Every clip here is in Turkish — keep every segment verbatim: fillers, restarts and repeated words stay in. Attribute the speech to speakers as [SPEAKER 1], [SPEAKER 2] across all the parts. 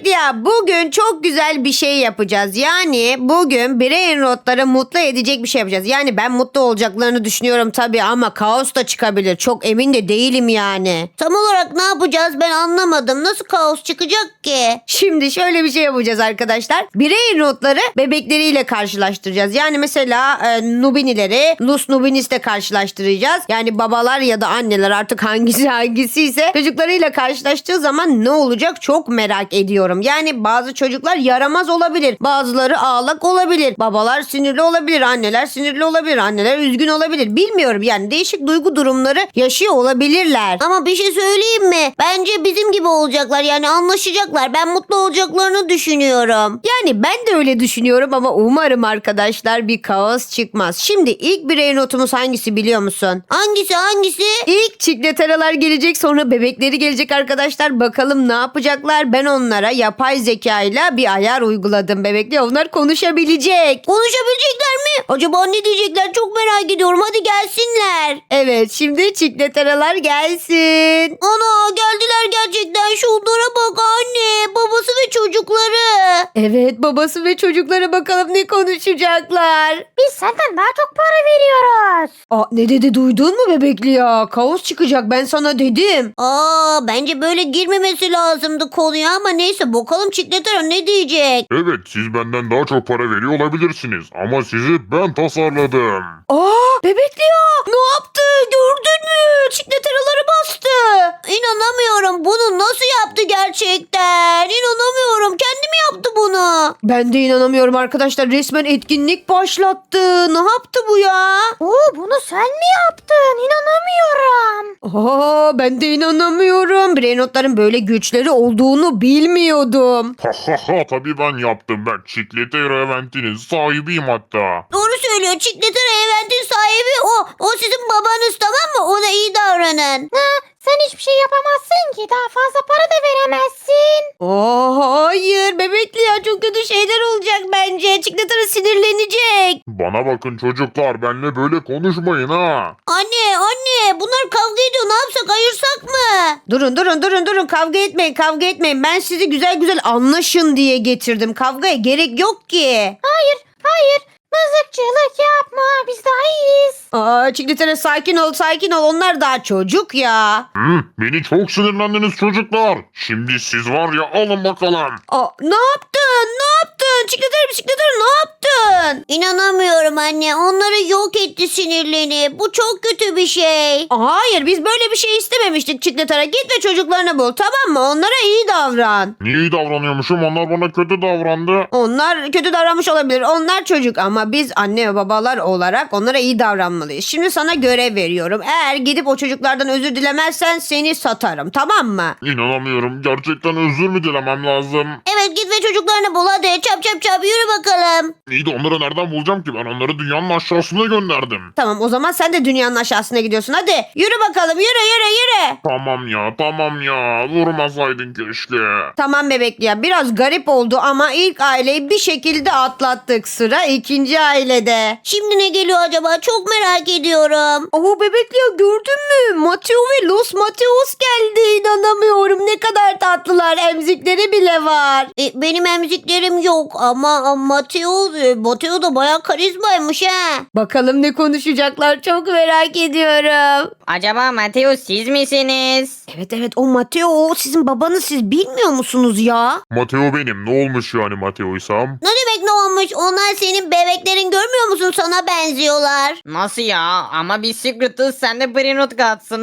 [SPEAKER 1] Bebekli ya, bugün çok güzel bir şey yapacağız. Yani bugün birey notları mutlu edecek bir şey yapacağız. Yani ben mutlu olacaklarını düşünüyorum tabii ama kaos da çıkabilir. Çok emin de değilim yani.
[SPEAKER 2] Tam olarak ne yapacağız ben anlamadım. Nasıl kaos çıkacak ki?
[SPEAKER 1] Şimdi şöyle bir şey yapacağız arkadaşlar. Birey notları bebekleriyle karşılaştıracağız. Yani mesela e, Nubinileri Lus Nubinis'le karşılaştıracağız. Yani babalar ya da anneler artık hangisi hangisi ise çocuklarıyla karşılaştığı zaman ne olacak çok merak ediyorum. Yani bazı çocuklar yaramaz olabilir. Bazıları ağlak olabilir. Babalar sinirli olabilir. Anneler sinirli olabilir. Anneler üzgün olabilir. Bilmiyorum yani değişik duygu durumları yaşıyor olabilirler.
[SPEAKER 2] Ama bir şey söyleyeyim mi? Bence bizim gibi olacaklar yani anlaşacaklar. Ben mutlu olacaklarını düşünüyorum.
[SPEAKER 1] Yani ben de öyle düşünüyorum ama umarım arkadaşlar bir kaos çıkmaz. Şimdi ilk birey notumuz hangisi biliyor musun?
[SPEAKER 2] Hangisi hangisi?
[SPEAKER 1] İlk çikleteralar gelecek, sonra bebekleri gelecek arkadaşlar. Bakalım ne yapacaklar? Ben onlara yapay zekayla bir ayar uyguladım bebekli. Onlar konuşabilecek.
[SPEAKER 2] Konuşabilecekler mi? Acaba ne diyecekler? Çok merak ediyorum. Hadi gelsinler.
[SPEAKER 1] Evet, şimdi çikleteralar gelsin.
[SPEAKER 2] Ana geldiler gerçekten. Şunlara bak anne. Babası ve çocukları.
[SPEAKER 1] Evet, babası ve çocuklara bakalım ne konuşacaklar.
[SPEAKER 3] Biz senden daha çok para veriyoruz.
[SPEAKER 1] Aa, ne dedi duydun mu bebekli ya? Kaos çıkacak, ben sana dedim.
[SPEAKER 2] Aa bence böyle girmemesi lazımdı konuya ama neyse bakalım Çikletero ne diyecek?
[SPEAKER 4] Evet, siz benden daha çok para veriyor olabilirsiniz ama sizi ben tasarladım.
[SPEAKER 1] Aa, bebekli ya, ne yaptı gördün mü? Çikleteraları bastı.
[SPEAKER 2] İnanamıyorum. Bunu nasıl yaptı gerçekten? İnanamıyorum. Kendi mi yaptı bunu?
[SPEAKER 1] Ben de inanamıyorum arkadaşlar, resmen etkinlik başlattı. Ne yaptı bu ya?
[SPEAKER 3] Oo, bunu sen mi yaptın? İnanamıyorum.
[SPEAKER 1] Aa, ben de inanamıyorum. Birey notların böyle güçleri olduğunu bilmiyordum.
[SPEAKER 4] Ha ha ha, tabii ben yaptım. Ben Çikletero Event'inin sahibiyim hatta.
[SPEAKER 2] Doğru söylüyor. Çikletero Event'in sahibi o. O sizin babanız tamam mı? Ona iyi davranın.
[SPEAKER 3] Ha, sen hiçbir şey yapamazsın ki. Daha fazla para da veremezsin.
[SPEAKER 1] Aa, hayır bebekli ya, çok kötü şeyler olacak bence. Çikletara sinirlenecek.
[SPEAKER 4] Bana bakın çocuklar, benimle böyle konuşmayın ha.
[SPEAKER 2] Anne anne bunlar kavga ediyor. Ne yapsak ayırsak mı?
[SPEAKER 1] Durun durun durun durun, kavga etmeyin kavga etmeyin. Ben sizi güzel güzel anlaşın diye getirdim. Kavgaya gerek yok ki.
[SPEAKER 3] Hayır, hayır. Mızıkçılık yapma. Biz daha iyiyiz.
[SPEAKER 1] Aa, Çikletara sakin ol sakin ol, onlar daha çocuk ya.
[SPEAKER 4] Hı, beni çok sinirlendiniz çocuklar. Şimdi siz var ya, alın bakalım.
[SPEAKER 1] Aa, ne yaptın ne yaptın? Çikletara Çikletara ne yaptın?
[SPEAKER 2] İnanamıyorum anne. Onları yok etti sinirlerini. Bu çok kötü bir şey.
[SPEAKER 1] Hayır, biz böyle bir şey istememiştik Çikletara. Git ve çocuklarını bul, tamam mı? Onlara iyi davran.
[SPEAKER 4] Niye iyi davranıyormuşum? Onlar bana kötü davrandı.
[SPEAKER 1] Onlar kötü davranmış olabilir. Onlar çocuk ama biz anne ve babalar olarak onlara iyi davranmalıyız. Şimdi sana görev veriyorum. Eğer gidip o çocuklardan özür dilemezsen seni satarım, tamam mı?
[SPEAKER 4] İnanamıyorum. Gerçekten özür mü dilemem lazım?
[SPEAKER 2] Evet git ve çocuklarını bul hadi. Çap çap çap yürü bakalım.
[SPEAKER 4] İyi de onları nereden bulacağım ki? Ben onları dünyanın aşağısına gönderdim.
[SPEAKER 1] Tamam, o zaman sen de dünyanın aşağısına gidiyorsun. Hadi yürü bakalım, yürü yürü yürü.
[SPEAKER 4] Tamam ya, tamam ya. Vurmasaydın keşke.
[SPEAKER 1] Tamam bebekli ya, biraz garip oldu ama ilk aileyi bir şekilde atlattık. Sıra ikinci ailede.
[SPEAKER 2] Şimdi ne geliyor acaba? Çok merak ediyorum.
[SPEAKER 1] Oo bebekli ya, gördün mü? Mateo ve Los Mateos geldi. İnanamıyorum, ne kadar tatlılar. Emzikleri bile var.
[SPEAKER 2] E, benim emziklerim yok ama Mateo, e, Mateo da bayağı karizmaymış ha.
[SPEAKER 1] Bakalım ne konuşacaklar, çok merak ediyorum.
[SPEAKER 5] Acaba Mateus siz misiniz?
[SPEAKER 1] Evet evet, o Mateo, o sizin babanız, siz bilmiyor musunuz ya?
[SPEAKER 4] Mateo benim. Ne olmuş yani Mateo'ysam?
[SPEAKER 2] Ne demek ne olmuş? Onlar senin bebeklerin görmüyor musun? Sana benziyorlar.
[SPEAKER 5] Nasıl ya? Ama biz Secret'ız, sen de Brinot katsın.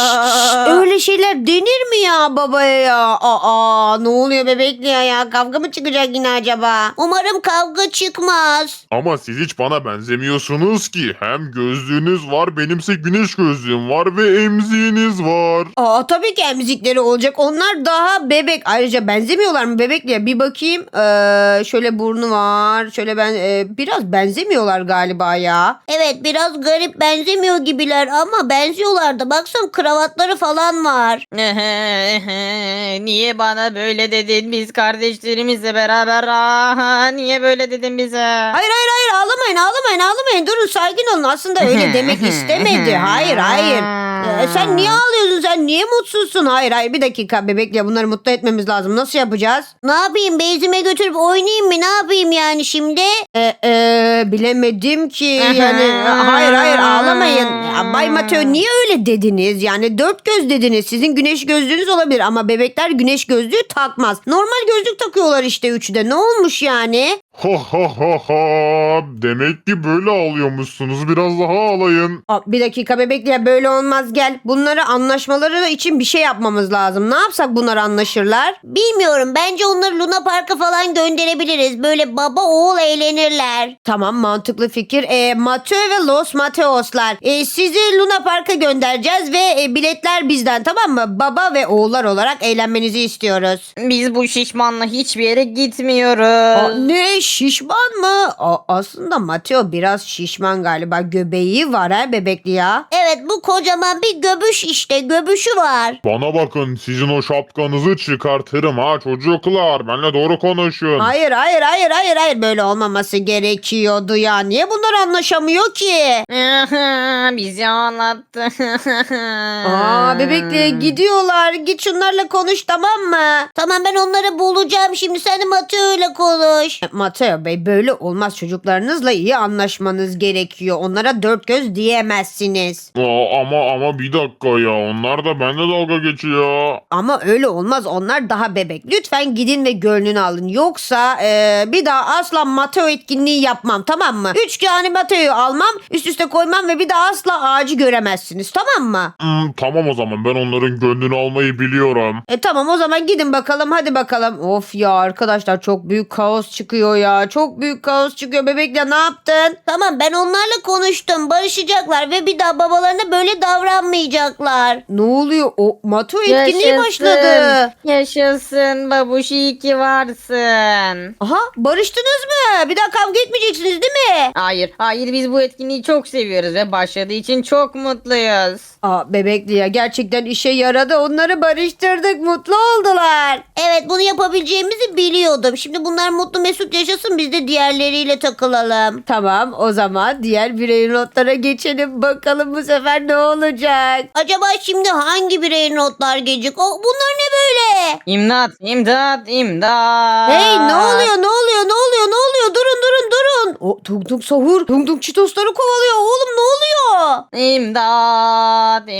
[SPEAKER 1] Öyle şeyler denir mi ya babaya ya? Aa, ne oluyor bebekli ya, ya? Kavga mı çıkacak yine acaba?
[SPEAKER 2] Umarım kavga çıkmaz.
[SPEAKER 4] Ama siz hiç bana benzemiyorsunuz ki. Hem gözlüğünüz var, benimse güneş gözlüğüm var ve emziğiniz var.
[SPEAKER 1] Aa, tabii ki emzikleri olacak. Onlar daha bebek. Ayrıca benzemiyorlar mı bebekliye? Bir bakayım. Ee, şöyle burnu var. Şöyle ben e, biraz benzemiyorlar galiba ya.
[SPEAKER 2] Evet biraz garip benzemiyor gibiler ama benziyorlar da. Baksana kravatları falan var.
[SPEAKER 5] Niye bana böyle dedin? Biz kardeşlerimizle beraber. Aha, niye böyle dedin bize?
[SPEAKER 1] Hayır hayır hayır, ağlamayın ağlamayın ağlamayın. Durun, sakin olun. Aslında öyle demek istemedi. Hayır hayır. Ee, sen niye ağlıyorsun? Sen niye mutsuzsun? Hayır hayır bir dakika bebekle bunları mutlu etmemiz lazım. Nasıl yapacağız?
[SPEAKER 2] Ne yapayım, bezime götürüp oynayayım mı? Ne yapayım yani şimdi?
[SPEAKER 1] Ee, e, bilemedim ki yani e, hayır hayır ağlamayın. Ya, Bay Mateo niye öyle dediniz? Yani dört göz dediniz. Sizin güneş gözlüğünüz olabilir ama bebekler güneş gözlüğü takmaz. Normal gözlük takıyorlar işte üçü de. Ne olmuş yani?
[SPEAKER 4] Ha ha ha ha. Demek ki böyle ağlıyormuşsunuz. Biraz daha ağlayın.
[SPEAKER 1] Aa, bir dakika bebekle böyle olmaz gel. Bunları anlaşmaları için bir şey yapmamız lazım. Ne yapsak bunlar anlaşırlar?
[SPEAKER 2] Bilmiyorum, bence onları Luna Park'a falan gönderebiliriz. Böyle baba oğul eğlenirler.
[SPEAKER 1] Tamam mantıklı fikir. E, Mateo ve Los Mateoslar. E, sizi Luna Park'a göndereceğiz ve e, biletler bizden tamam mı? Baba ve oğullar olarak eğlenmenizi istiyoruz.
[SPEAKER 5] Biz bu şişmanla hiçbir yere gitmiyoruz.
[SPEAKER 1] Aa, ne şişman mı? Aa, aslında Mateo biraz şişman galiba. Göbeği var ha bebekli ya.
[SPEAKER 2] Evet, bu kocaman bir göbüş işte, göbüşü var.
[SPEAKER 4] Bana bakın sizin o şapkanızı çıkartırım ha çocuklar. Benimle doğru konuşun.
[SPEAKER 1] Hayır hayır hayır hayır hayır böyle olmaması gerekiyordu ya. Niye bunlar anlaşamıyor ki?
[SPEAKER 5] Bizi anlattı.
[SPEAKER 1] Aa bebekle gidiyorlar. Git şunlarla konuş tamam mı?
[SPEAKER 2] Tamam, ben onları bulacağım şimdi, sen de Mateo ile konuş.
[SPEAKER 1] Mateo Bey böyle olmaz çocuklarınızla iyi anlaşmanız gerekiyor. Onlara dört göz diyemezsiniz.
[SPEAKER 4] Aa, ama ama bir dakika ya. Onlar da benimle dalga geçiyor.
[SPEAKER 1] Ama öyle olmaz onlar daha bebek. Lütfen gidin ve gönlünü alın. Yoksa e, bir daha asla Mateo etkinliği yapmam tamam mı? Üç tane Mateo'yu almam üst üste koymam ve bir daha asla ağacı göremezsiniz tamam mı?
[SPEAKER 4] Hmm, tamam o zaman ben onların gönlünü almayı biliyorum.
[SPEAKER 1] E tamam o zaman gidin bakalım hadi bakalım. Of ya arkadaşlar çok büyük kaos çıkıyor ya. Çok büyük kaos çıkıyor. Bebekle ne yaptın?
[SPEAKER 2] Tamam, ben onlarla konuştum, barışacaklar ve bir daha babalarına böyle davranmayacaklar.
[SPEAKER 1] Ne oluyor? O Mateo etkinliği başladı.
[SPEAKER 5] Yaşasın babuş, iyi ki varsın.
[SPEAKER 1] Aha barıştınız mı? Bir daha kavga etmeyeceksiniz değil mi?
[SPEAKER 5] Hayır, hayır biz bu etkinliği çok seviyoruz ve başladığı için çok mutluyuz.
[SPEAKER 1] Aa bebekli ya gerçekten işe yaradı. Onları barıştırdık. Mutlu oldular.
[SPEAKER 2] Evet, bunu yapabileceğimizi biliyordum. Şimdi bunlar mutlu mesut yaşasın, biz de diğerleriyle takılalım.
[SPEAKER 1] Tamam o zaman diğer birey notlara geçelim. Bakalım bu sefer ne olacak?
[SPEAKER 2] Acaba şimdi hangi birey notlar gelecek? O, bunlar ne böyle?
[SPEAKER 5] İmdat, imdat, imdat.
[SPEAKER 1] Hey ne oluyor ne oluyor ne oluyor ne oluyor? Durun durun durun. O tung tung sahur. Tung tung çitosları kovalıyor. Oğlum ne oluyor?
[SPEAKER 5] İmdat,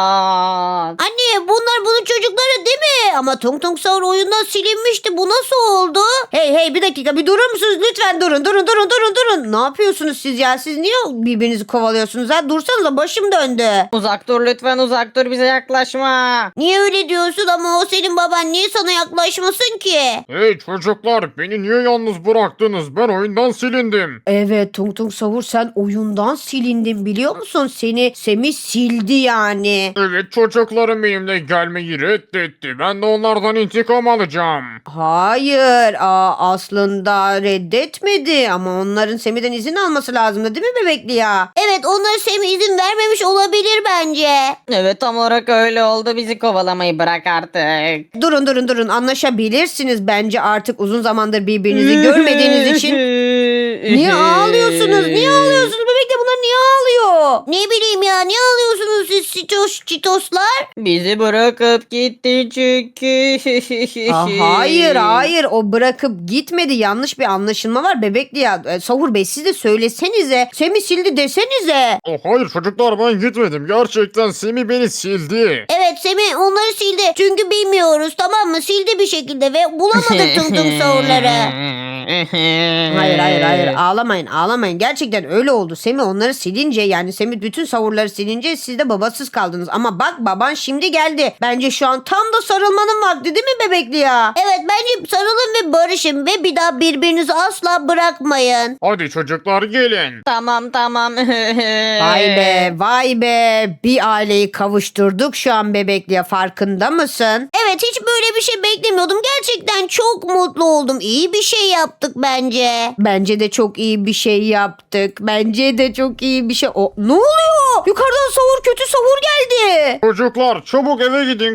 [SPEAKER 5] imdat.
[SPEAKER 2] Anne, bunlar bunun çocukları değil mi? Ama Tung Tung Sahur oyundan silinmişti. Bu nasıl oldu?
[SPEAKER 1] Hey hey bir dakika bir durur musunuz? Lütfen durun durun durun durun durun. Ne yapıyorsunuz siz ya? Siz niye birbirinizi kovalıyorsunuz ha? Dursanıza başım döndü.
[SPEAKER 5] Uzak dur lütfen, uzak dur, bize yaklaşma.
[SPEAKER 2] Niye öyle diyorsun ama o senin baban, niye sana yaklaşmasın ki?
[SPEAKER 4] Hey çocuklar beni niye yalnız bıraktınız? Ben oyundan silindim.
[SPEAKER 1] Evet Tung Tung Sahur sen oyundan silindin biliyor musun? Seni Semih sildi yani.
[SPEAKER 4] Evet çocuklarım benimle gelmeyi reddetti. Ben de onlardan intikam alacağım.
[SPEAKER 1] Hayır aa, aslında reddetmedi ama onların Semih'den izin alması lazımdı değil mi bebekli ya?
[SPEAKER 2] Evet, onlara Semih izin vermemiş olabilir bence.
[SPEAKER 5] Evet tam olarak öyle oldu, bizi kovalamayı bırak artık.
[SPEAKER 1] Durun durun durun anlaşabilirsiniz bence artık uzun zamandır birbirinizi görmediğiniz için. Niye ağlıyorsunuz? Niye ağlıyorsunuz bebekle bunlar niye ağlıyor?
[SPEAKER 2] Ne bileyim ya, niye alıyorsunuz siz çitos, çitoslar?
[SPEAKER 5] Bizi bırakıp gitti çünkü.
[SPEAKER 1] Aa, hayır hayır o bırakıp gitmedi yanlış bir anlaşılma var bebekli ya. E, Sahur Bey siz de söylesenize. Semih sildi desenize.
[SPEAKER 4] Oh, hayır çocuklar ben gitmedim. Gerçekten Semih beni sildi.
[SPEAKER 2] Evet, Semih onları sildi. Çünkü bilmiyoruz, tamam mı? Sildi bir şekilde ve bulamadık Tung Tung Sahurları.
[SPEAKER 1] Hayır hayır hayır ağlamayın ağlamayın gerçekten öyle oldu. Semih onları silince yani Semih bütün savurları silince siz de babasız kaldınız. Ama bak baban şimdi geldi. Bence şu an tam da sarılmanın vakti değil mi bebekli ya?
[SPEAKER 2] Evet, bence sarılın ve barışın ve bir daha birbirinizi asla bırakmayın.
[SPEAKER 4] Hadi çocuklar gelin.
[SPEAKER 5] Tamam tamam.
[SPEAKER 1] Vay be vay be bir aileyi kavuşturduk şu an bebekliye farkında mısın?
[SPEAKER 2] Evet, evet hiç böyle bir şey beklemiyordum. Gerçekten çok mutlu oldum. İyi bir şey yaptık bence.
[SPEAKER 1] Bence de çok iyi bir şey yaptık. Bence de çok iyi bir şey. O, ne oluyor? Yukarıdan sahur, kötü sahur geldi.
[SPEAKER 4] Çocuklar çabuk eve gidin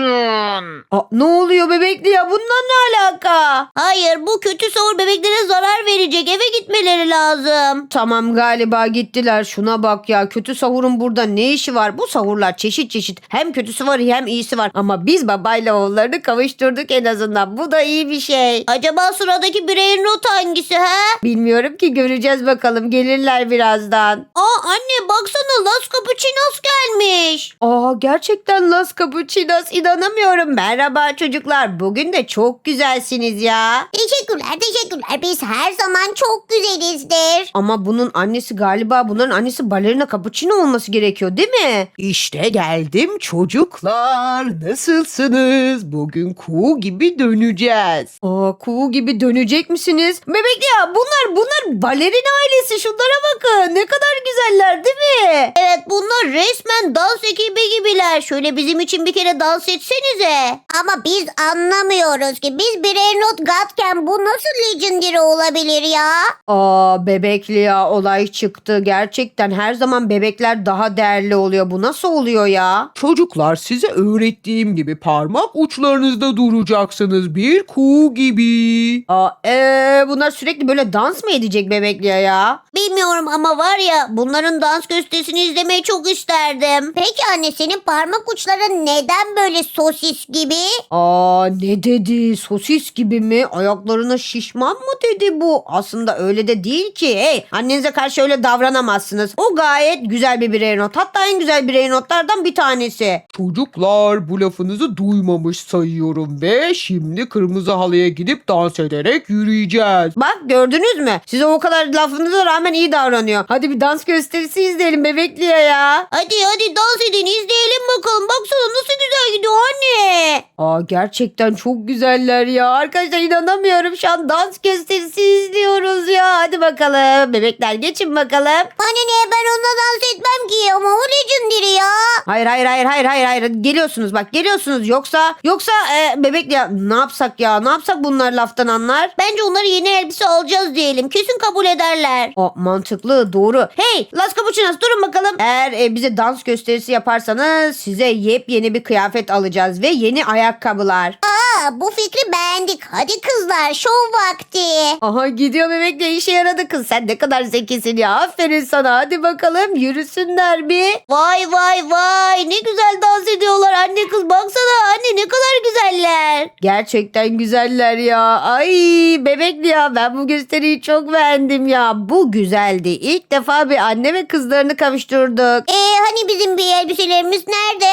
[SPEAKER 4] kaçın.
[SPEAKER 1] Aa, ne oluyor bebekli ya? Bundan ne alaka?
[SPEAKER 2] Hayır, bu kötü sahur bebeklere zarar verecek. Eve gitmeleri lazım.
[SPEAKER 1] Tamam galiba gittiler. Şuna bak ya. Kötü sahurun burada ne işi var? Bu sahurlar çeşit çeşit. Hem kötüsü var hem iyisi var. Ama biz babayla oğullarını kavuşturduk en azından. Bu da iyi bir şey.
[SPEAKER 2] Acaba sıradaki bireyin not hangisi ha?
[SPEAKER 1] Bilmiyorum ki, göreceğiz bakalım. Gelirler birazdan.
[SPEAKER 2] Aa anne baksana, Las Capuchinos gelmiş.
[SPEAKER 1] Aa, gerçekten Las Capuchinos, inanamıyorum. Merhaba çocuklar. Bugün de çok güzelsiniz ya.
[SPEAKER 2] Teşekkürler teşekkürler. Biz her zaman çok güzelizdir.
[SPEAKER 1] Ama bunun annesi galiba bunların annesi balerina cappuccino olması gerekiyor değil mi?
[SPEAKER 6] İşte geldim çocuklar. Nasılsınız? Bugün kuğu gibi döneceğiz.
[SPEAKER 1] Aa, kuğu gibi dönecek misiniz? Bebek ya, bunlar bunlar balerin ailesi. Şunlara bakın. Ne kadar güzeller değil mi?
[SPEAKER 2] Evet, bunlar resmen dans ekibi gibiler. Şöyle bizim için bir kere dans etsenize. Ama biz anlamıyoruz ki. Biz birer not gatken bu nasıl legendary olabilir ya?
[SPEAKER 1] Aa, bebekli ya, olay çıktı. Gerçekten her zaman bebekler daha değerli oluyor. Bu nasıl oluyor ya?
[SPEAKER 6] Çocuklar size öğrettiğim gibi parmak uçlarınızda duracaksınız bir kuğu gibi.
[SPEAKER 1] Aa, ee, bunlar sürekli böyle dans mı edecek bebekli ya?
[SPEAKER 2] Bilmiyorum ama var ya, bunların dans gösterisini izlemeyi çok isterdim. Peki anne, senin parmak uçların neden böyle sosis gibi?
[SPEAKER 1] Aa, ne dedi? Sosis gibi mi? Ayaklarına şişman mı dedi bu? Aslında öyle de değil ki. Hey, annenize karşı öyle davranamazsınız. O gayet güzel bir birey not. Hatta en güzel birey notlardan bir tanesi.
[SPEAKER 6] Çocuklar bu lafınızı duymamış sayıyorum ve şimdi kırmızı halıya gidip dans ederek yürüyeceğiz.
[SPEAKER 1] Bak, gördünüz mü? Size o kadar lafınıza rağmen iyi davranıyor. Hadi bir dans gösterisi izleyelim bebekliye ya.
[SPEAKER 2] Hadi hadi dans edin, izleyelim bakalım. Baksana nasıl güzel gidiyor anne.
[SPEAKER 1] Aa, gerçekten çok güzeller ya. Arkadaşlar inanamıyorum. Şu an dans gösterisi izliyoruz ya. Hadi bakalım. Bebekler geçin bakalım.
[SPEAKER 2] Anne ne, ben onunla dans etmem ki ama o legendary ya.
[SPEAKER 1] Hayır hayır hayır hayır hayır hayır. Geliyorsunuz bak, geliyorsunuz. Yoksa yoksa e, bebek ya, ne yapsak ya? Ne yapsak bunlar laftan anlar?
[SPEAKER 2] Bence onları yeni elbise alacağız diyelim. Kesin kabul ederler.
[SPEAKER 1] O mantıklı, doğru. Hey Las Capuchinos, durun bakalım. Eğer e, bize dans gösterisi yaparsanız size yepyeni bir kıyafet alacağız ve yeni ayakkabılar.
[SPEAKER 2] Aa, bu fikri beğendik. Hadi kızlar, şov vakti.
[SPEAKER 1] Aha, gidiyor bebek de, işe yaradı kız. Sen ne kadar zekisin ya. Aferin sana. Hadi bakalım yürüsünler bir.
[SPEAKER 2] Vay vay vay, ne güzel dans ediyorlar anne kız, baksana anne ne kadar güzeller.
[SPEAKER 1] Gerçekten güzeller ya. Ay bebekli ya, ben bu gösteriyi çok beğendim ya. Bu güzeldi. İlk defa bir anne ve kızlarını kavuşturduk.
[SPEAKER 2] Ee hani bizim bir elbiselerimiz nerede?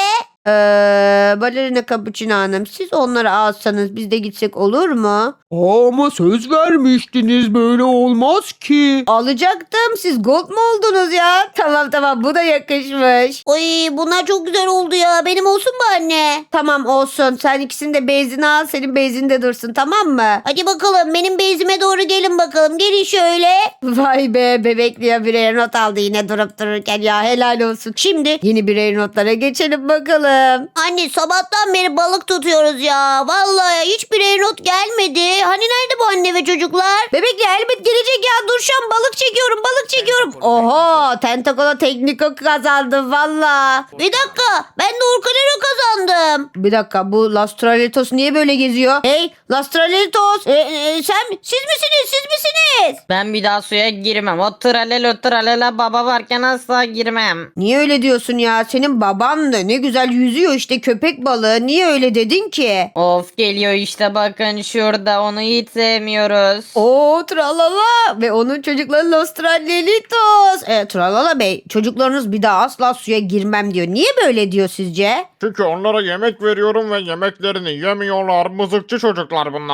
[SPEAKER 1] Ee, balerina Cappuccino Hanım, siz onları alsanız biz de gitsek olur mu?
[SPEAKER 6] Ama söz vermiştiniz, böyle olmaz ki.
[SPEAKER 1] Alacaktım. Siz gold mu oldunuz ya? Tamam tamam, bu da yakışmış.
[SPEAKER 2] Ay bunlar çok güzel oldu ya. Benim olsun mu anne?
[SPEAKER 1] Tamam olsun. Sen ikisini de bezini al. Senin bezinde dursun, tamam mı?
[SPEAKER 2] Hadi bakalım, benim bezime doğru gelin bakalım. Gelin şöyle.
[SPEAKER 1] Vay be, bebekli ya, birer not aldı yine durup dururken ya, helal olsun. Şimdi yeni birer notlara geçelim bakalım.
[SPEAKER 2] Anne sabahtan beri balık tutuyoruz ya. Vallahi hiç birer not gelmedi. Hani nerede bu anne ve çocuklar?
[SPEAKER 1] Bebekli elbet gelecek ya, dur şu an balık çekiyorum balık çekiyorum. Oho, Tentacola Tekniko kazandım valla.
[SPEAKER 2] Bir dakika, ben de Orkalero kazandım.
[SPEAKER 1] Bir dakika, bu Lastralitos niye böyle geziyor? Hey Lastralitos, e, e, sen siz misiniz siz misiniz?
[SPEAKER 5] Ben bir daha suya girmem. O tralelo tralela baba varken asla girmem.
[SPEAKER 1] Niye öyle diyorsun ya? Senin baban da ne güzel yüzüyor işte, köpek balığı. Niye öyle dedin ki?
[SPEAKER 5] Of, geliyor işte, bakın şurada, onu hiç sevmiyoruz.
[SPEAKER 1] Oo tralala ve onun çocukları Los Tralelitos. E, tralala bey, çocuklarınız bir daha asla suya girmem diyor. Niye böyle diyor sizce?
[SPEAKER 4] Çünkü onlara yemek veriyorum ve yemeklerini yemiyorlar. Mızıkçı çocuklar bunlar.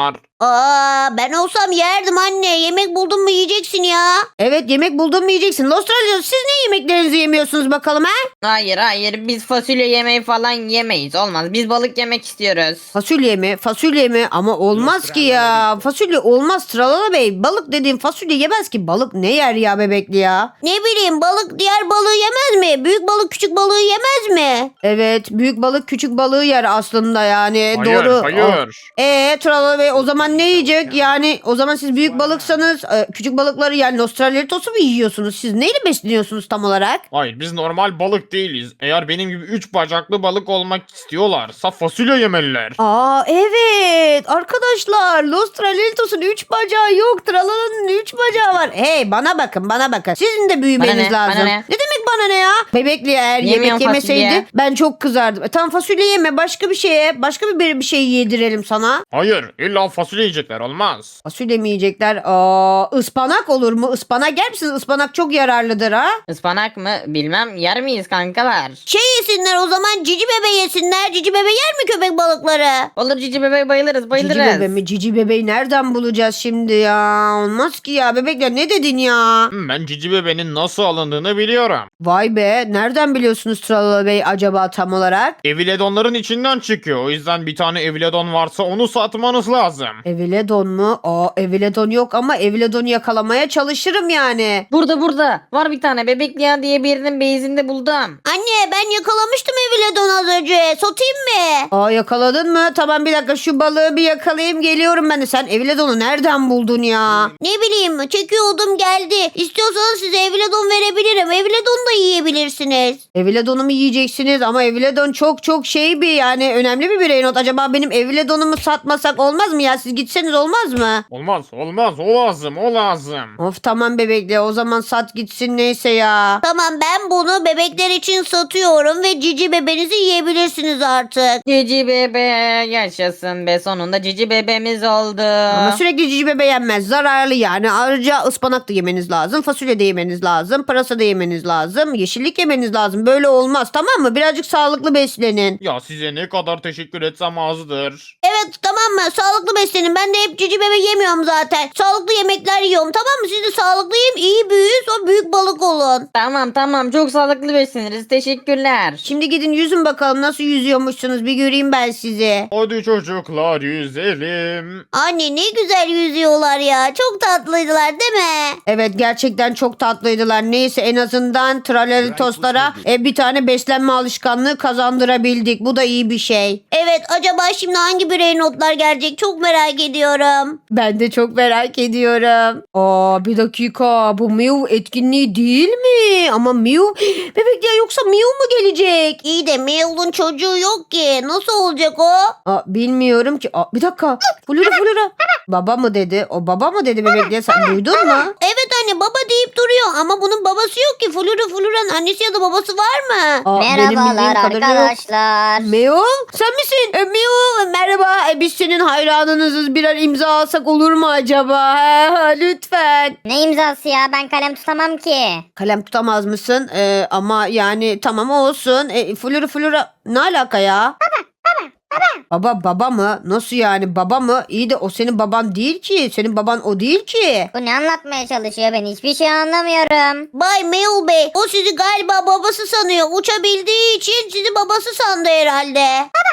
[SPEAKER 2] Aa, ben olsam yerdim anne. Yemek buldun mu yiyeceksin ya.
[SPEAKER 1] Evet, yemek buldun mu yiyeceksin. Lostralyos, siz ne yemeklerinizi yemiyorsunuz bakalım ha?
[SPEAKER 5] Hayır hayır biz fasulye yemeği falan yemeyiz. Olmaz. Biz balık yemek istiyoruz.
[SPEAKER 1] Fasulye mi? Fasulye mi? Ama olmaz ki ya. Fasulye olmaz Tralala Bey. Balık dediğin fasulye yemez ki. Balık ne yer ya bebekli ya?
[SPEAKER 2] Ne bileyim, balık diğer balığı yemez mi? Büyük balık küçük balığı yemez mi?
[SPEAKER 1] Evet, büyük balık küçük balığı yer aslında yani.
[SPEAKER 4] Hayır,
[SPEAKER 1] Doğru.
[SPEAKER 4] hayır.
[SPEAKER 1] Eee Tralala Bey, o zaman ne yiyecek? Yani o zaman siz büyük balıksanız e, küçük balıkları yani Nostralitosu mu yiyorsunuz? Siz neyle besleniyorsunuz tam olarak?
[SPEAKER 7] Hayır biz normal balık değiliz. Eğer benim gibi üç bacaklı balık olmak istiyorlarsa fasulye yemeliler.
[SPEAKER 1] Aa evet arkadaşlar, Nostralitos'un üç bacağı yok. Tralala'nın üç bacağı var. Hey, bana bakın bana bakın. Sizin de büyümeniz
[SPEAKER 5] Bana ne,
[SPEAKER 1] lazım.
[SPEAKER 5] bana
[SPEAKER 1] Ne?
[SPEAKER 5] ne?
[SPEAKER 1] demek bana ne ya? Bebekli eğer
[SPEAKER 5] Yemiyorum
[SPEAKER 1] yemek yemeseydi
[SPEAKER 5] fasulye.
[SPEAKER 1] ben çok kızardım. E, tamam fasulye yeme, başka bir şeye başka bir, bir şey yedirelim sana.
[SPEAKER 7] Hayır illa fasulye yiyecekler olmaz.
[SPEAKER 1] Fasulye mi yiyecekler? Aa, ıspanak olur mu? Ispanak yer misiniz? Ispanak çok yararlıdır ha.
[SPEAKER 5] Ispanak mı? Bilmem. Yer miyiz kankalar?
[SPEAKER 2] Şey yesinler o zaman, cici bebe yesinler. Cici bebe yer mi köpek balıkları?
[SPEAKER 5] Olur cici bebeği bayılırız bayılırız.
[SPEAKER 1] Cici bebe mi? Cici bebeği nereden bulacağız şimdi ya? Olmaz ki ya. Bebekler ne dedin ya?
[SPEAKER 7] Hmm, Ben cici bebenin nasıl alındığını biliyorum.
[SPEAKER 1] Vay be. Nereden biliyorsunuz Tralala Bey acaba tam olarak?
[SPEAKER 7] Eviledonların içinden çıkıyor. O yüzden bir tane eviledon varsa onu satmanız lazım.
[SPEAKER 1] Eviledon mu? Aa, Eviledon yok ama Eviledon'u yakalamaya çalışırım yani.
[SPEAKER 5] Burada burada. Var bir tane Bebekliya diye birinin beyzinde buldum.
[SPEAKER 2] Anne, ben yakalamıştım Eviledon az önce. Satayım mı?
[SPEAKER 1] Aa, yakaladın mı? Tamam, bir dakika şu balığı bir yakalayayım, geliyorum ben de. Sen Eviledon'u nereden buldun ya?
[SPEAKER 2] Ne bileyim, çekiyordum geldi. İstiyorsanız size Eviledon verebilirim. Eviledon da yiyebilirsiniz.
[SPEAKER 1] Eviledon'u mu yiyeceksiniz? Ama Eviledon çok çok şey bir yani önemli bir birey not. Acaba benim Eviledon'umu satmasak olmaz mı ya? Siz gitseniz olmaz mı?
[SPEAKER 7] Olmaz olmaz o lazım o lazım.
[SPEAKER 1] Of tamam bebekle, o zaman sat gitsin neyse ya.
[SPEAKER 2] Tamam, ben bunu bebekler için satıyorum ve cici bebenizi yiyebilirsiniz artık.
[SPEAKER 5] Cici bebe yaşasın be, sonunda cici bebemiz oldu.
[SPEAKER 1] Ama sürekli cici bebe yenmez. Zararlı yani. Ayrıca ıspanak da yemeniz lazım. Fasulye de yemeniz lazım. Pırasa da yemeniz lazım. Yeşillik yemeniz lazım. Böyle olmaz, tamam mı? Birazcık sağlıklı beslenin.
[SPEAKER 7] Ya size ne kadar teşekkür etsem azdır.
[SPEAKER 2] Evet, tamam mı? Sağlıklı beslenin. Ben de hep cici bebe yemiyorum zaten. Sağlıklı yemekler yiyorum, tamam mı? Siz de sağlıklı yiyin, iyi büyüyün, sonra büyük balık olun.
[SPEAKER 5] Tamam tamam çok sağlıklı besleniriz, teşekkürler.
[SPEAKER 1] Şimdi gidin yüzün bakalım nasıl yüzüyormuşsunuz. Bir göreyim ben sizi.
[SPEAKER 7] Hadi çocuklar yüzelim.
[SPEAKER 2] Anne, ne güzel yüzüyorlar ya. Çok tatlıydılar değil mi?
[SPEAKER 1] Evet, gerçekten çok tatlıydılar. Neyse, en azından Tralalitoslara e, bir tane beslenme alışkanlığı kazandırabildik. Bu da iyi bir şey.
[SPEAKER 2] Evet, acaba şimdi hangi birey notlar gelecek? Çok merak ediyorum.
[SPEAKER 1] Ben de çok merak ediyorum. Aa, bir dakika, bu Mew etkinliği değil mi? Ama Mew bebek ya, yoksa Mew mu gelecek?
[SPEAKER 2] İyi de Mewl'un çocuğu yok ki. Nasıl olacak o?
[SPEAKER 1] Aa, bilmiyorum ki. Aa, bir dakika. Flora Flora. Baba mı dedi? O baba mı dedi bebek diye, sen duydun mu?
[SPEAKER 2] Evet anne, baba deyip duruyor ama bunun babası yok ki. Flora Flora'nın annesi ya da babası var mı?
[SPEAKER 1] Aa, benim bildiğim kadarıyla yok. Mew, sen misin? E, Mew, merhaba. E, biz senin hayranınızız. Birer imza alsak olur mu acaba? Ha, ha, lütfen.
[SPEAKER 3] Ne imzası ya, ben kalem tutamam ki.
[SPEAKER 1] Kalem tutamaz mısın? E, ama yani tamam olsun. E, Flora Flora ne alaka ya? Baba, baba, baba. Baba, baba mı? Nasıl yani baba mı? İyi de o senin baban değil ki. Senin baban o değil ki.
[SPEAKER 3] Bu ne anlatmaya çalışıyor, ben hiçbir şey anlamıyorum.
[SPEAKER 2] Bay Mew Bey, o sizi galiba babası sanıyor. Uçabildiği için sizi babası sandı herhalde.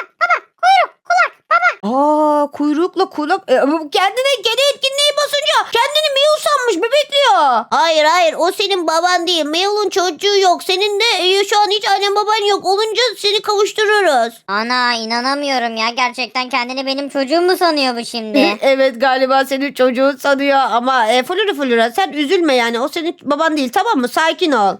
[SPEAKER 1] Aa, kuyrukla kulak. E, bu kendine kedi etkinliği basınca kendini Mew sanmış, bebekliyor.
[SPEAKER 2] Hayır hayır, o senin baban değil. Mewl'un çocuğu yok. Senin de e, şu an hiç annen baban yok. Olunca seni kavuştururuz.
[SPEAKER 3] Ana, inanamıyorum ya, gerçekten kendini benim çocuğum mu sanıyor bu şimdi?
[SPEAKER 1] Evet, galiba senin çocuğun sanıyor ama e, Flora Flora sen üzülme yani, o senin baban değil, tamam mı? Sakin ol.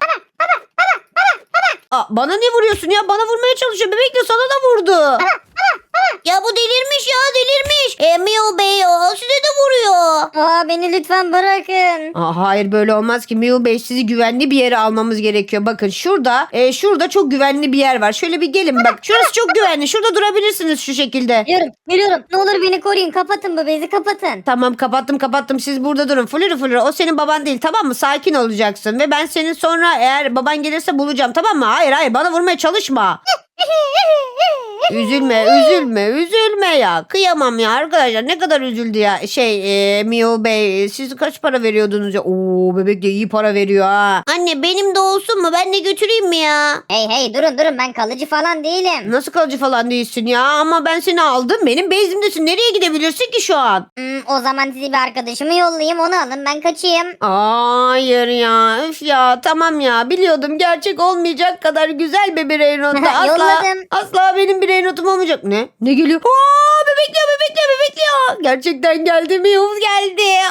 [SPEAKER 1] Aa, bana ne vuruyorsun ya? Bana vurmaya çalışıyor. Bebekle sana da vurdu.
[SPEAKER 2] Ya bu delirmiş ya, delirmiş. E, Mew Bey o size de vuruyor.
[SPEAKER 3] Aa, beni lütfen bırakın.
[SPEAKER 1] Aa, hayır, böyle olmaz ki. Mew Bey, sizi güvenli bir yere almamız gerekiyor. Bakın şurada e, şurada çok güvenli bir yer var. Şöyle bir gelin bak. Şurası çok güvenli. Şurada durabilirsiniz şu şekilde.
[SPEAKER 3] Geliyorum, geliyorum. Ne olur beni koruyun, kapatın bu bezi, kapatın.
[SPEAKER 1] Tamam, kapattım kapattım. Siz burada durun. Flora Flora, o senin baban değil, tamam mı? Sakin olacaksın ve ben senin sonra eğer baban gelirse bulacağım, tamam mı? Hayır hayır, bana vurmaya çalışma. Üzülme üzülme üzülme ya. Kıyamam ya arkadaşlar, ne kadar üzüldü ya. Şey e, Mio Bey, siz kaç para veriyordunuz ya? Oo, bebek de iyi para veriyor ha.
[SPEAKER 2] Anne benim de olsun mu? Ben de götüreyim mi ya?
[SPEAKER 3] Hey hey durun durun ben kalıcı falan değilim.
[SPEAKER 1] Nasıl kalıcı falan değilsin ya, ama ben seni aldım, benim bezimdesin, nereye gidebilirsin ki şu an?
[SPEAKER 3] Hmm, o zaman size bir arkadaşımı yollayayım onu alın ben kaçayım.
[SPEAKER 1] Hayır ya, üf ya, tamam ya, biliyordum gerçek olmayacak kadar güzel bir birey notu. Asla,
[SPEAKER 3] Yolladım.
[SPEAKER 1] asla benim birey notum olmayacak. Ne? Ne geliyor? Aa, bebekliyor bebekliyor bebekliyor. Gerçekten geldi mi? Yavuz geldi.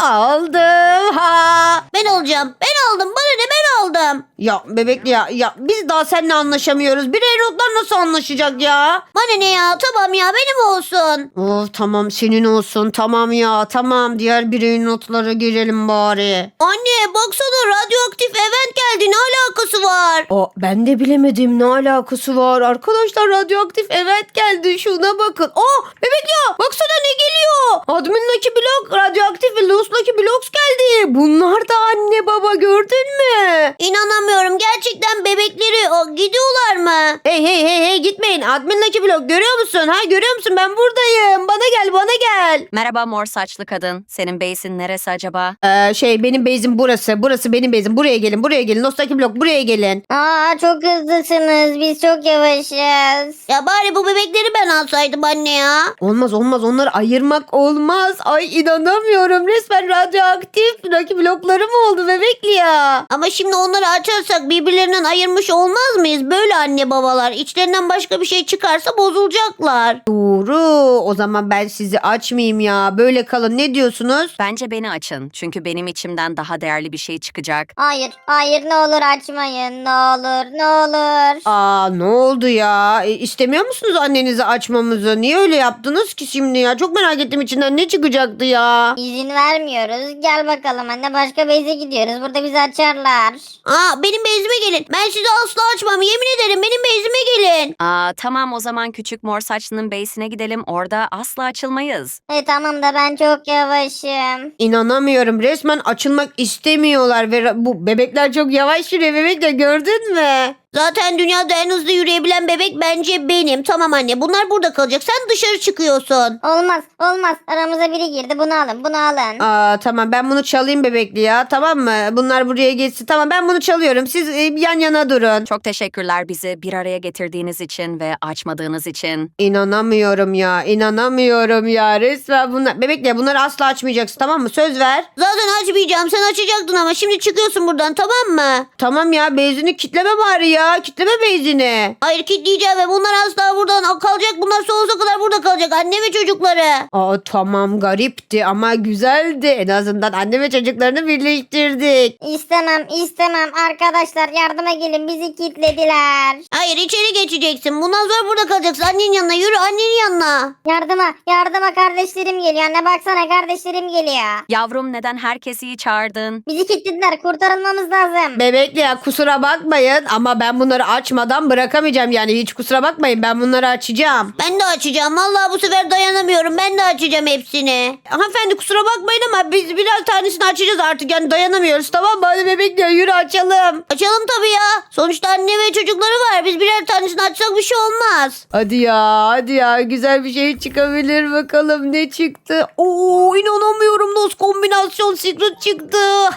[SPEAKER 1] Aldım ha.
[SPEAKER 2] Ben olacağım. Ben aldım. Bana ne, ben aldım.
[SPEAKER 1] Ya bebekli ya, ya biz daha seninle anlaşamıyoruz. Birey notlar nasıl anlaşacak ya?
[SPEAKER 2] Bana ne ya? Tamam ya, benim olsun.
[SPEAKER 1] Of tamam, senin olsun, tamam ya, tamam, diğer birey notlara girelim bari.
[SPEAKER 2] Anne baksana, radyoaktif event geldi. Ne alakası var?
[SPEAKER 1] Aa, ben de bilemedim, ne alakası var. Arkadaşlar radyoaktif evet geldi, şuna bakın. Aa, bebek ya, baksana ne geliyor. Admin Lucky Block, radyoaktif ve Lost Lucky Blocks geldi. Bunlar da anne baba, gördün mü?
[SPEAKER 2] İnanamıyorum. Gerçekten bebekleri o, gidiyorlar mı?
[SPEAKER 1] Hey hey hey hey, gitmeyin. Admin Lucky Block, görüyor musun? Ha, görüyor musun? Ben buradayım. Bana gel, bana gel.
[SPEAKER 8] Merhaba mor saçlı kadın. Senin base'in neresi acaba?
[SPEAKER 1] Ee, şey benim base'im burası. Burası benim base'im. Buraya gelin, buraya gelin. Lost Lucky Block, buraya gelin.
[SPEAKER 3] Aa çok hızlısınız biz çok yavaşız.
[SPEAKER 2] Ya bari bu bebekleri ben alsaydım anne ya.
[SPEAKER 1] Olmaz olmaz, onları ayırmak olmaz. Ay inanamıyorum, resmen radyoaktif Lucky Block'ları mı oldu bebekli ya?
[SPEAKER 2] Ama şimdi onları açarsak birbirlerinden ayırmış olmaz mıyız? Böyle anne babalar. İçlerinden başka bir şey çıkarsa bozulacaklar.
[SPEAKER 1] Doğru, o zaman ben sizi açmayayım ya. Böyle kalın, ne diyorsunuz?
[SPEAKER 8] Bence beni açın. Çünkü benim içimden daha değerli bir şey çıkacak.
[SPEAKER 3] Hayır hayır ne olur açmayın ne olur ne olur.
[SPEAKER 1] Aa, ne oldu ya? E, istemiyor musunuz annenizi açmamızı? Niye öyle yaptınız ki şimdi ya? Çok merak ettim, içinden ne çıkacaktı ya?
[SPEAKER 3] İzin vermiyoruz. Gel bakalım anne başka beyze gidiyoruz. Burada bizi açarlar.
[SPEAKER 2] Aa, benim bezime gelin. Ben sizi asla açmam. Yemin ederim, benim bezime gelin.
[SPEAKER 8] Aa tamam o zaman küçük mor saçlının base'ine gidelim. Orada asla açılmayız.
[SPEAKER 3] E tamam da ben çok yavaşım.
[SPEAKER 1] İnanamıyorum, resmen açılmak istemiyorlar ve ra- bu bebekler çok yavaş yürüyor, bebekler, gördün mü?
[SPEAKER 2] Zaten dünyada en hızlı yürüyebilen bebek bence benim. Tamam anne, bunlar burada kalacak. Sen dışarı çıkıyorsun.
[SPEAKER 3] Olmaz olmaz aramıza biri girdi bunu alın bunu alın.
[SPEAKER 1] Aa, tamam, ben bunu çalayım bebekli ya, tamam mı? Bunlar buraya geçsin. Tamam, ben bunu çalıyorum, siz e, yan yana durun.
[SPEAKER 8] Çok teşekkürler bizi bir araya getirdiğiniz için ve açmadığınız için.
[SPEAKER 1] İnanamıyorum ya, inanamıyorum ya, resmen bunlar. Bebekle, bunları asla açmayacaksın, tamam mı? Söz ver.
[SPEAKER 2] Zaten açmayacağım. Sen açacaktın ama şimdi çıkıyorsun buradan, tamam mı?
[SPEAKER 1] Tamam ya, bezini kitleme bari ya, kitleme bezini.
[SPEAKER 2] Hayır, kilitleyeceğim ve bunlar asla buradan kalacak. Bunlar sonsuza kadar burada kalacak. Anne ve çocukları.
[SPEAKER 1] Aa, tamam, garipti ama güzeldi. En azından anne ve çocuklarını birleştirdik.
[SPEAKER 3] İstemem istemem arkadaşlar yardıma gelin bizi kilitlediler.
[SPEAKER 2] Hayır, içeri geçeceksin. Bundan sonra burada kalacaksın. Annenin yanına yürü, annenin yanına.
[SPEAKER 3] Yardıma yardıma kardeşlerim geliyor anne baksana kardeşlerim geliyor.
[SPEAKER 8] Yavrum neden herkesi çağırdın?
[SPEAKER 3] Bizi kilitlediler kurtarılmamız lazım.
[SPEAKER 1] Bebekle ya, kusura bakmayın ama ben bunları açmadan bırakamayacağım, yani hiç kusura bakmayın, ben bunları açacağım.
[SPEAKER 2] Ben de açacağım. Vallahi bu sefer dayanamıyorum. Ben de açacağım hepsini.
[SPEAKER 1] Hanımefendi kusura bakmayın ama biz birer tanesini açacağız artık, yani dayanamıyoruz, tamam mı? Hadi bebekle yürü açalım.
[SPEAKER 2] Açalım tabii ya. Sonuçta anne ve çocukları var. Biz birer tanesini açsak bir şey olmaz.
[SPEAKER 1] Hadi ya, hadi ya, güzel bir şey çıkabilir, bakalım ne çıktı. Oo, inanamıyorum, Nos kombinasyon secret çıktı.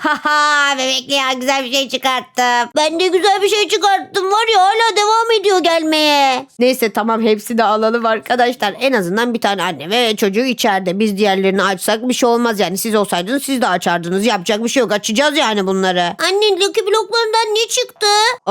[SPEAKER 1] Haha, bebekle ya, güzel bir şey çıkarttım.
[SPEAKER 2] Ben de güzel bir şey çıkarttım. Var ya, hala devam ediyor gelmeye.
[SPEAKER 1] Neyse tamam, hepsini alalım arkadaşlar. En azından bir tane anne ve çocuğu içeride. Biz diğerlerini açsak bir şey olmaz yani. Siz olsaydınız siz de açardınız. Yapacak bir şey yok. Açacağız yani bunları.
[SPEAKER 2] Anne, Lucky bloklarından ne çıktı?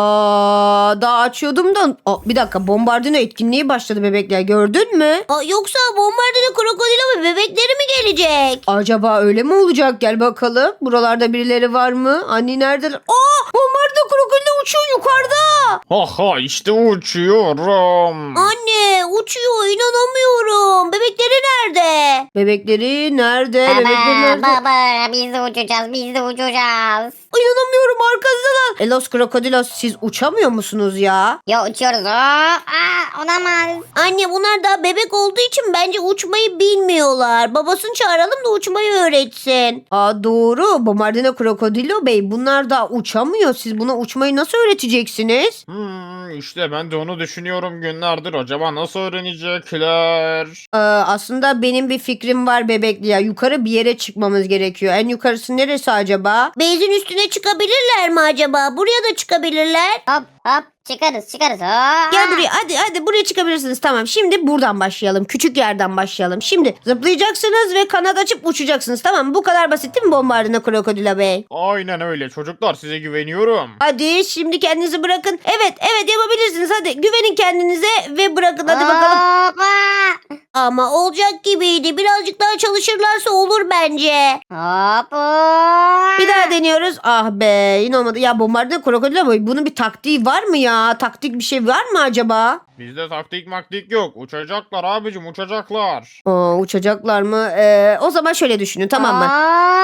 [SPEAKER 1] Aa, daha açıyordum da. Aa, bir dakika, bombardino etkinliği başladı bebekler. Gördün mü?
[SPEAKER 2] Aa, yoksa bombardino krokodilo ve bebekleri mi gelecek?
[SPEAKER 1] Acaba öyle mi olacak? Gel bakalım. Buralarda birileri var mı? Anne neredeler? Aa, bombardino krokodilo uçuyor yukarıda.
[SPEAKER 7] Ha ha işte uçuyorum.
[SPEAKER 2] Anne, uçuyor, inanamıyorum. Bebekleri nerede?
[SPEAKER 1] Bebekleri nerede? Bebekleri nerede?
[SPEAKER 3] Baba baba biz de uçacağız biz de uçacağız.
[SPEAKER 1] İnanamıyorum, arkasındalar. E Los Krokodilos, siz uçamıyor musunuz ya?
[SPEAKER 3] Ya uçuyoruz. Aa, aa, olamaz.
[SPEAKER 2] Anne, bunlar daha bebek olduğu için bence uçmayı bilmiyorlar. Babasını çağıralım da uçmayı öğretsin.
[SPEAKER 1] Aa, doğru. Bombardino Krokodilo Bey, bunlar da uçamıyor. Siz buna uçmayı nasıl öğreteceksiniz? öğreneceksiniz?
[SPEAKER 7] Hmm, işte ben de onu düşünüyorum günlerdir. Acaba nasıl öğrenecekler?
[SPEAKER 1] Ee, aslında benim bir fikrim var bebekli ya. Yukarı bir yere çıkmamız gerekiyor. En yukarısı neresi acaba?
[SPEAKER 2] Beyzin üstüne çıkabilirler mi acaba? Buraya da çıkabilirler.
[SPEAKER 3] Hop hop çıkarız çıkarız. Hop.
[SPEAKER 1] Gel buraya, hadi hadi buraya çıkabilirsiniz. Tamam, şimdi buradan başlayalım. Küçük yerden başlayalım. Şimdi zıplayacaksınız ve kanat açıp uçacaksınız. Tamam mı? Bu kadar basit değil mi Bombardino Krokodilo Bey?
[SPEAKER 7] Aynen öyle çocuklar, size güveniyorum.
[SPEAKER 1] Hadi şimdi kendinizi bırakın. Evet evet yapabilirsiniz. Hadi güvenin kendinize ve bırakın. Hadi bakalım.
[SPEAKER 3] Hoppa.
[SPEAKER 2] Ama olacak gibiydi. Birazcık daha çalışırlarsa olur bence.
[SPEAKER 3] Hop hop.
[SPEAKER 1] Bir daha deniyoruz. Ah be, yine olmadı. Ya Bombardino Krokodilo Bey, bunun bir taktiği var mı ya? Taktik bir şey var mı acaba?
[SPEAKER 7] Bizde taktik maktik yok. Uçacaklar abicim, uçacaklar.
[SPEAKER 1] Aa, uçacaklar mı? Ee, o zaman şöyle düşünün, tamam mı?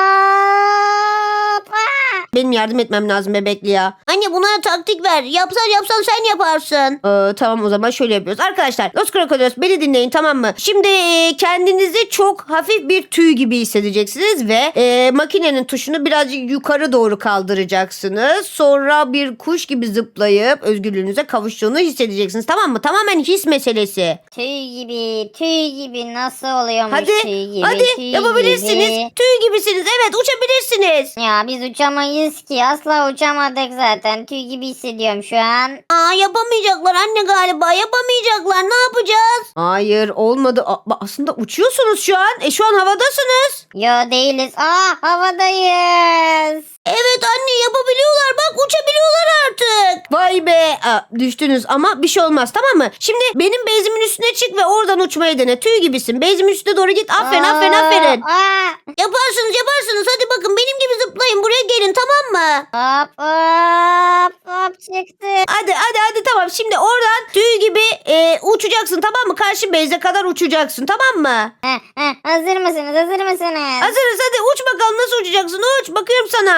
[SPEAKER 3] Hoppa.
[SPEAKER 1] Benim yardım etmem lazım bebekli ya.
[SPEAKER 2] Anne buna taktik ver. Yapsan yapsan sen yaparsın.
[SPEAKER 1] Ee, tamam, o zaman şöyle yapıyoruz. Arkadaşlar Los Crocodilos, beni dinleyin, tamam mı? Şimdi e, kendinizi çok hafif bir tüy gibi hissedeceksiniz ve e, makinenin tuşunu birazcık yukarı doğru kaldıracaksınız. Sonra bir kuş gibi zıplayıp özgürlüğünüze kavuştuğunu hissedeceksiniz, tamam mı? Tamamen his meselesi.
[SPEAKER 3] Tüy gibi tüy gibi nasıl oluyormuş
[SPEAKER 1] Hadi
[SPEAKER 3] tüy gibi
[SPEAKER 1] hadi
[SPEAKER 3] tüy
[SPEAKER 1] yapabilirsiniz.
[SPEAKER 3] gibi.
[SPEAKER 1] Tüy gibisiniz, evet, uçabilirsiniz.
[SPEAKER 3] Ya biz uçamayız ki, asla uçamadık zaten, tüy gibi hissediyorum şu an.
[SPEAKER 2] Aa yapamayacaklar anne galiba. Yapamayacaklar. Ne yapacağız?
[SPEAKER 1] Hayır, olmadı. A- aslında uçuyorsunuz şu an. E şu an havadasınız.
[SPEAKER 3] Yo değiliz, aa havadayız.
[SPEAKER 2] Evet anne yapabiliyorlar. Bak uçabiliyorlar artık.
[SPEAKER 1] Vay be. Aa, düştünüz ama bir şey olmaz, tamam mı? Şimdi benim bezimin üstüne çık ve oradan uçmayı dene. Tüy gibisin. Bezimin üstüne doğru git. Aferin aferin
[SPEAKER 3] Aa,
[SPEAKER 1] aferin.
[SPEAKER 3] Aa,
[SPEAKER 2] Yaparsınız yaparsınız. Hadi bakın benim gibi zıplayın. Buraya gelin tamam mı?
[SPEAKER 3] hop hop hop çıktı.
[SPEAKER 1] Hadi hadi hadi, tamam. Şimdi oradan tüy gibi e, uçacaksın, tamam mı? Karşı beze kadar uçacaksın, tamam mı?
[SPEAKER 3] Heh, heh, hazır mısınız hazır mısınız?
[SPEAKER 1] Hazırız, hadi uç bakalım, nasıl uçacaksın? Uç, bakıyorum sana.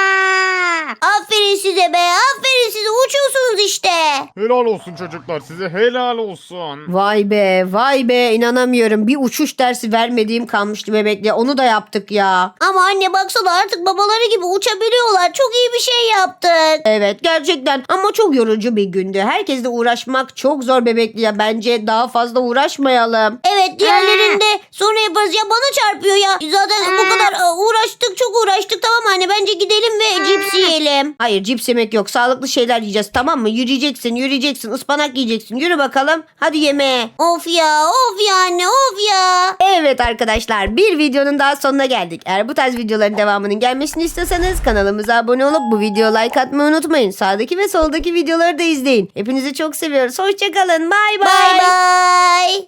[SPEAKER 3] Aa,
[SPEAKER 2] Aferin size be. Aferin size. Uçuyorsunuz işte.
[SPEAKER 7] Helal olsun çocuklar, size helal olsun.
[SPEAKER 1] Vay be vay be, inanamıyorum. Bir uçuş dersi vermediğim kalmıştı bebekle. Onu da yaptık ya.
[SPEAKER 2] Ama anne baksana artık babaları gibi uçabiliyorlar. Çok iyi bir şey yaptık.
[SPEAKER 1] Evet gerçekten, ama çok yorucu bir gündü. Herkesle uğraşmak çok zor bebekli ya. Bence daha fazla uğraşmayalım.
[SPEAKER 2] Evet diğerlerinde sonra yaparız. Ya bana çarpıyor ya. Zaten bu kadar e, uğraştık çok uğraştık. Tamam anne bence gidelim ve cips yiyelim.
[SPEAKER 1] Hayır, cips yemek yok. Sağlıklı şeyler yiyeceğiz, tamam mı? Yürüyeceksin yürüyeceksin. Ispanak yiyeceksin. Yürü bakalım. Hadi yemeğe.
[SPEAKER 2] Of ya of ya anne of ya.
[SPEAKER 1] Evet arkadaşlar, bir videonun daha sonuna geldik. Eğer bu tarz videoların devamının gelmesini istiyorsanız kanalımıza abone olup bu videoya like atmayı unutmayın. Sağdaki ve soldaki videoları da izleyin. Hepinizi çok seviyoruz. Hoşçakalın. Bay bay.
[SPEAKER 2] Bye bye.